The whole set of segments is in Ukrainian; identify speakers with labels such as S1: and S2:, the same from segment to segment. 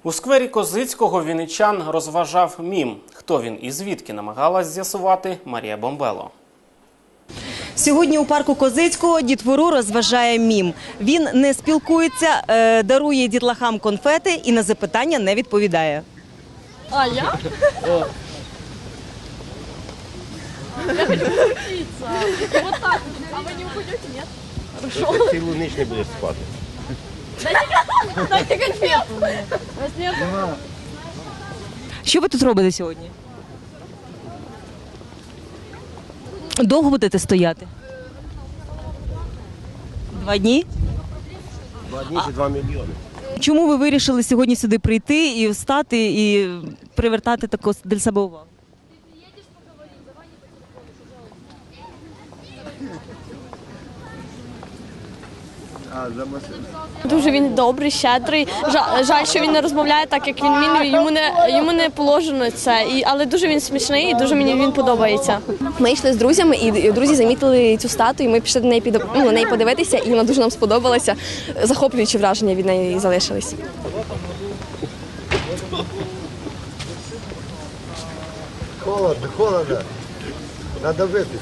S1: У сквері Козицького вінничан розважав мім. Хто він і звідки, намагалась з'ясувати Марія Бомбело.
S2: Сьогодні у парку Козицького дітвору розважає мім. Він не спілкується, дарує дітлахам конфети і на запитання не відповідає.
S3: А я? Я хочу учиться. Вот так. А вы не уходите, нет? Хорошо.
S4: Цілу ніч не будеш спати.
S3: Дайте конфету. Вас нет?
S2: Що ви тут робите сьогодні? Довго будете стояти? 2 дні?
S4: 2 дні чи 2 мільйони.
S2: Чому ви вирішили сьогодні сюди прийти і встати, і привертати таку для себе увагу?
S3: Дуже він добрий, щедрий. Жаль, що він не розмовляє так, як він вміє. Йому не положено це. Але дуже він смішний і дуже мені він подобається. Ми йшли з друзями, і друзі замітили цю статую. Ми пішли на неї подивитися, і вона дуже нам сподобалася. Захоплюючі враження від неї залишились.
S4: Холодно. Треба випити.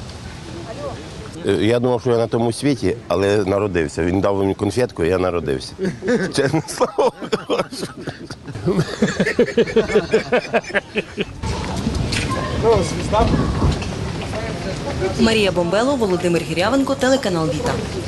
S4: Я думав, що я на тому світі, але народився. Він дав мені конфетку, і я народився. Чесне слово.
S2: Марія Бомбело, Володимир Гірявенко, телеканал Віта.